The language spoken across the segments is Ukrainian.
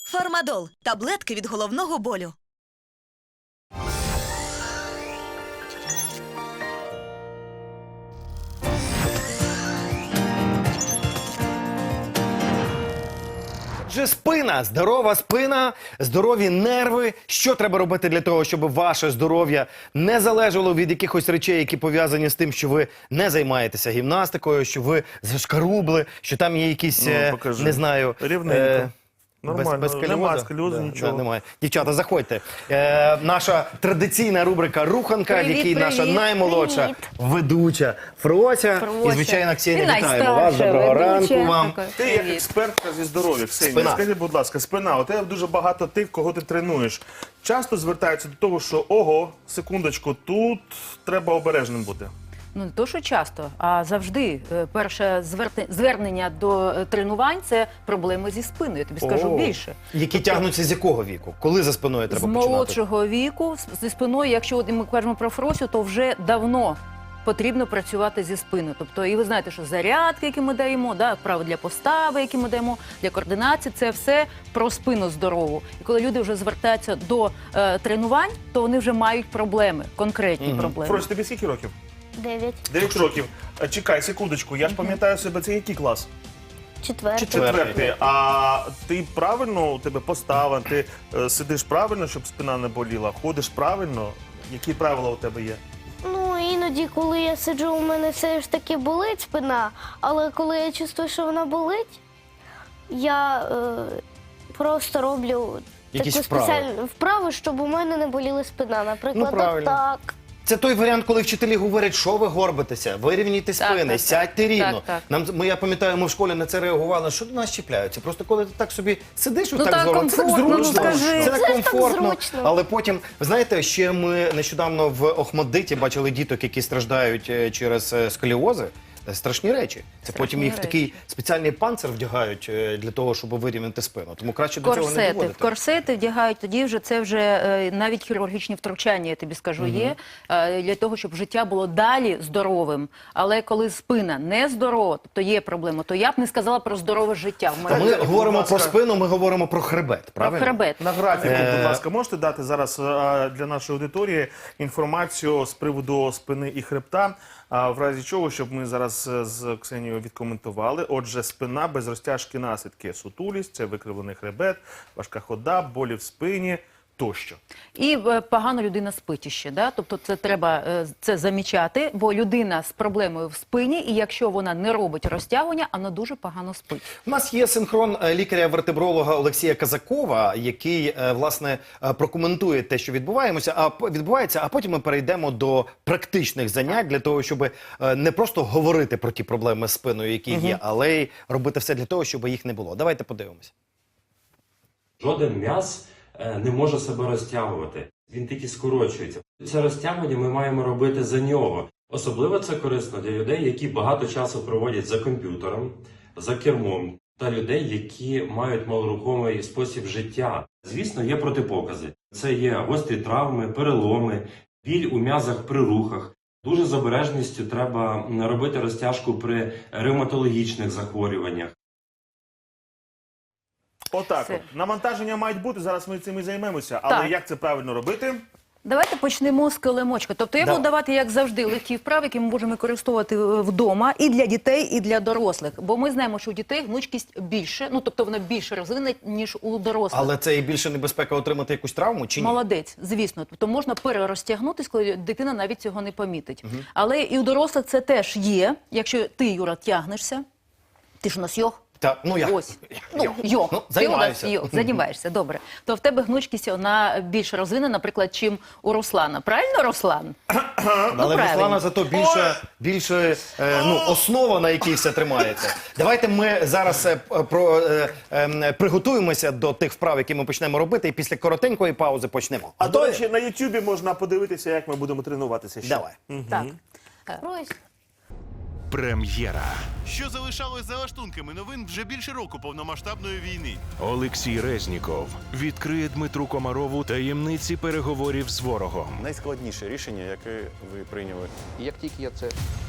Фармадол – таблетки від головного болю. Отже, спина, здорова спина, здорові нерви. Що треба робити для того, щоб ваше здоров'я не залежало від якихось речей, які пов'язані з тим, що ви не займаєтеся гімнастикою, що ви зашкарубли, що там є якісь, не знаю... Рівненько. Нормально, Без сколіозу? немає сколіозу, нічого. Немає. Дівчата, заходьте. Наша традиційна рубрика «Руханка», в якій наша наймолодша ведуча Фрося. І, звичайно, Ксенія, вітаємо вас. Доброго ранку вам. Ти як експертка зі здоров'я, Ксенія, скажіть, будь ласка, спина, у тебе дуже багато тих, кого ти тренуєш. Часто звертаються до того, що, ого, секундочку, тут треба обережним бути. Ну, не то, що часто, а завжди. Перше звернення до тренувань – це проблеми зі спиною. Я тобі скажу більше. Які тягнуться з якого віку? Коли за спиною треба починати? З молодшого віку, зі спиною, якщо от ми кажемо про Фросю, то вже давно потрібно працювати зі спиною. Тобто, і ви знаєте, що зарядки, які ми даємо, вправи для постави, які ми даємо, для координації, це все про спину здорову. І коли люди вже звертаються до тренувань, то вони вже мають проблеми, конкретні проблеми. Фрось, тобі скільки років? 9. 9 років. Чекай, секундочку, я ж пам'ятаю себе, це який клас? 4. Четвертий. А ти правильно, у тебе постава, ти сидиш правильно, щоб спина не боліла, ходиш правильно? Які правила у тебе є? Ну, іноді, коли я сиджу, у мене все ж таки болить спина, але коли я чувствую, що вона болить, я просто роблю Якісь таку вправи? спеціальну вправу, щоб у мене не боліла спина. Наприклад, правильно. так. Це той варіант, коли вчителі говорять, що ви горбитеся, вирівнюйте спини, так. сядьте рівно. Так. Я пам'ятаю, ми в школі на це реагували, що до нас чіпляються. Просто коли ти так собі сидиш, Ну, отак так здорово, це так комфортно, ну, зручно. скажи. Це так Це ж так комфортно. зручно. Але потім, ви знаєте, ще ми нещодавно в Охмаддиті бачили діток, які страждають через сколіози. Страшні речі. Це потім їх в такий спеціальний панцир вдягають для того, щоб вирівняти спину. Тому краще до цього не доводити. Корсети вдягають, тоді вже це вже навіть хірургічні втручання, я тобі скажу, є, для того, щоб життя було далі здоровим. Але коли спина не здорова, тобто є проблема, то я б не сказала про здорове життя. Ми говоримо про спину, ми говоримо про хребет, правильно? Про хребет. На графіку, будь ласка, можете дати зараз для нашої аудиторії інформацію з приводу спини і хребта, в разі чого, щоб ми зараз з Ксенією відкоментували. Отже, спина без розтяжки наслідки. Сутулість, це викривлений хребет, важка хода, болі в спині тощо. І погано людина спить іще, тобто це треба це замічати, бо людина з проблемою в спині, і якщо вона не робить розтягування, вона дуже погано спить. У нас є синхрон лікаря-вертебролога Олексія Казакова, який, власне, прокоментує те, що відбувається, а потім ми перейдемо до практичних занять для того, щоб не просто говорити про ті проблеми з спиною, які є, але й робити все для того, щоб їх не було. Давайте подивимося. Жоден м'яз не може себе розтягувати. Він тільки скорочується. Це розтягування ми маємо робити за нього. Особливо це корисно для людей, які багато часу проводять за комп'ютером, за кермом, та людей, які мають малорухомий спосіб життя. Звісно, є протипокази. Це є гострі травми, переломи, біль у м'язах при рухах. Дуже з обережністю треба робити розтяжку при ревматологічних захворюваннях. Отак от. Навантаження мають бути, зараз ми цим і займемося. Але Так. як це правильно робити? Давайте почнемо з килимочка. Тобто я буду давати, як завжди, легкі вправи, які ми можемо використовувати вдома і для дітей, і для дорослих. Бо ми знаємо, що у дітей гнучкість більше, тобто вона більше розвинена, ніж у дорослих. Але це і більше небезпека отримати якусь травму, чи ні? Молодець, звісно. Тобто можна перерозтягнутися, коли дитина навіть цього не помітить. Але і у дорослих це теж є. Якщо ти, Юра, тягнешся, ти ж у нас йог. Ось. Ти займаєшся, добре. То в тебе гнучкість, вона більш розвинена, наприклад, чим у Руслана. Правильно, Руслан? Але Руслана зато більше основа, на якій все тримається. Давайте ми зараз приготуємося до тих вправ, які ми почнемо робити, і після коротенької паузи почнемо. А до речі, на Ютубі можна подивитися, як ми будемо тренуватися ще. Давай. Так. Ось. Прем'єра. Що залишалось за лаштунками новин вже більше року повномасштабної війни. Олексій Резніков відкриє Дмитру Комарову таємниці переговорів з ворогом. Найскладніше рішення, яке ви прийняли? І як тільки я це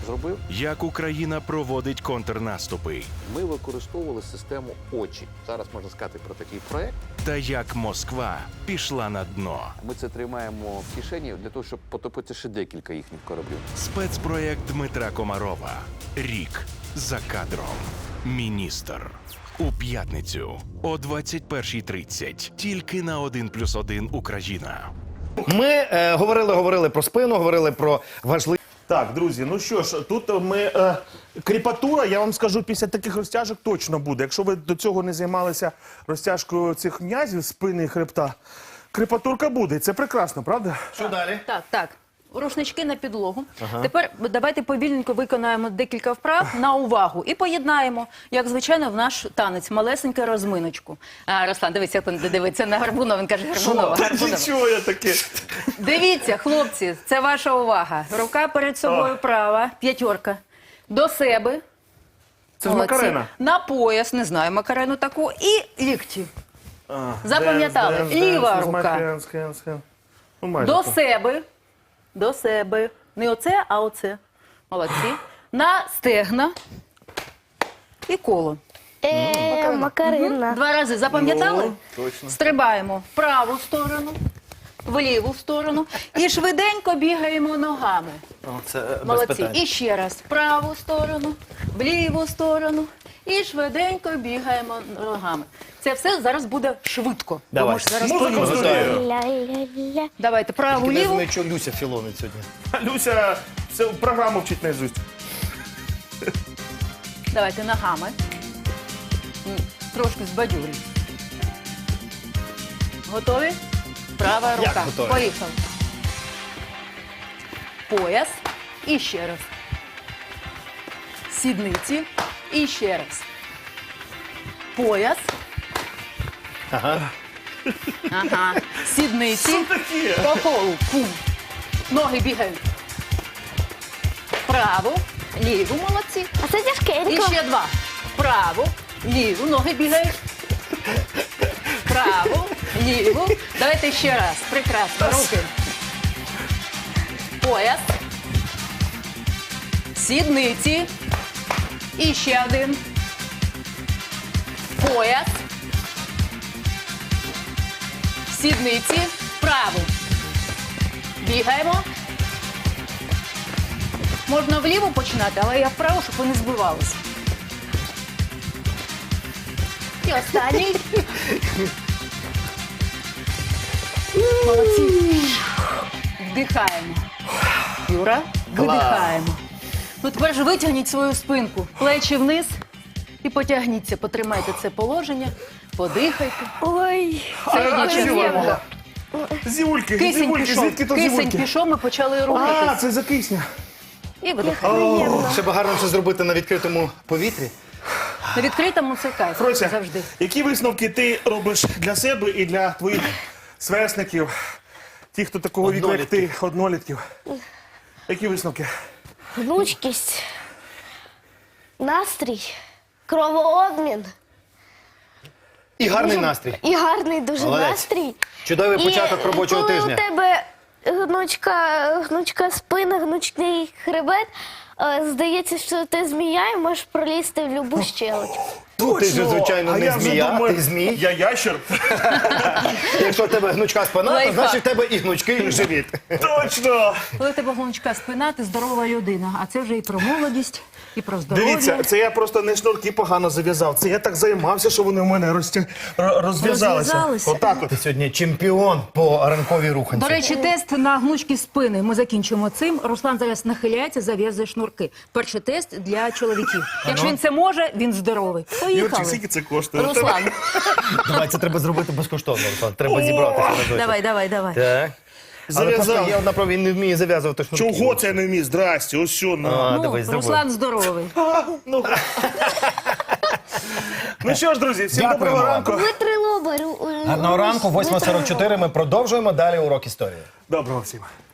зробив. Як Україна проводить контрнаступи, Ми використовували систему очі. Зараз можна сказати про такий проект. та як Москва пішла на дно. Ми це тримаємо в кишені для того, щоб потопити ще декілька їхніх кораблів. Спецпроєкт Дмитра Комарова. Рік за кадром. Міністр. У п'ятницю о 21:30. Тільки на 1+1 Україна. Ми говорили про спину, говорили про важливі. Так, друзі, ну що ж, тут ми кріпатура, я вам скажу, після таких розтяжок точно буде. Якщо ви до цього не займалися розтяжкою цих м'язів, спини і хребта, кріпатурка буде. І це прекрасно, правда? Що далі? Так. Рушнички на підлогу. Тепер давайте повільненько виконаємо декілька вправ на увагу і поєднаємо, як звичайно, в наш танець, малесеньку розминочку. Руслан, дивіться, дивиться на Гарбунова, він каже Гарбунова. Нічого я таке. Дивіться, хлопці, це ваша увага. Рука перед собою права, п'ятерка. До себе. Це ж Молодці. Макарена. На пояс, не знаю, Макарену таку. І лікті. Запам'ятали? Ліва рука. Ну, майже До так. себе. До себе. Не оце, а оце. Молодці. На стегна. І коло. Макарина. 2 рази запам'ятали? Ну, точно. Стрибаємо в праву сторону, в ліву сторону. І швиденько бігаємо ногами. Це без Молодці. питань. І ще раз. В праву сторону, в ліву сторону. І швиденько бігаємо ногами. Це все зараз буде швидко. Давай. Тому що зараз Музику повільно. студію. Ля-ля-ля. Давайте праву, Тільки не ліву. знаю, що Люся філонить сьогодні. Люся всю програму вчить наизусть. Давайте ногами. Трошки збадьорюсь. Готові? Права рука. готові? Поїхали. Пояс. І ще раз. Сідниці. І ще раз. Пояс. Ага. Сідниці. По колу. Пум. Ноги бігають. Праву, ліву, молодці. А це І тяжкенько. ще 2. Праву, ліву, ноги бігають. Праву, ліву. Давайте ще раз. Прекрасно. Руки. Пояс. Сідниці. І ще 1. Пояс. Сідниці. Праву. Бігаємо. Можна вліво починати, але я вправо, щоб ви не збивалися. І останній. Молодці. Вдихаємо. Юра, видихаємо. Ну тепер ж витягніть свою спинку. Плечі вниз і потягніться. Потримайте це положення, подихайте. Ой. Середня частина. Зівульки, Кисень зівульки, пішов. звідки то Кисень зівульки? пішов, ми почали А, рухатись. це за кисня. І видихаємо. Ще б гарно це зробити на відкритому повітрі. На відкритому це кайф. Фрося, Завжди. які висновки ти робиш для себе і для твоїх сверстників, ті, хто такого віку, як ти, однолітків? Які висновки? Гнучкість. Настрій. Кровообмін. І гарний настрій. І гарний дуже Молодець. настрій. Чудовий початок робочого коли тижня. у тебе гнучка спина, гнучний хребет, здається, що ти змія і можеш пролізти в будь-яку щелочку. Ну, ти ж, звичайно, А не я вже змія, думаю, ти змій. Я ящер. Якщо в тебе гнучка спина, то Лайфхак. значить в тебе і гнучкий живіт. Точно! Коли у тебе гнучка спина, ти здорова людина. А це вже і про молодість, і про здоров'я. Дивіться, це я просто не шнурки погано зав'язав. Це я так займався, що вони в мене розв'язалися. Розв'язалися? Отак от. Ти сьогодні чемпіон по ранковій руханці. До речі, тест на гнучкість спини. Ми закінчимо цим. Руслан зараз нахиляється, зав'язує шнурки. Перший тест для чоловіків. Якщо він це може, він здоровий. Юрчик, Поїхали. скільки це коштує? Руслан, Давай, це треба зробити безкоштовно, Руслан. Треба зібратися на досі. давай. Так. Але просто Зав'язав. є одна проблема, він не вміє зав'язувати шнурки. Чого це я не вмію? Здрасте, ось що на. А, Ну, давай, зроби. Руслан здоровий. Ну що ж, друзі, всім Дякуємо доброго вам. ранку. Витри лоба. Гарного ранку, 8:44, ми продовжуємо далі урок історії. Доброго всім.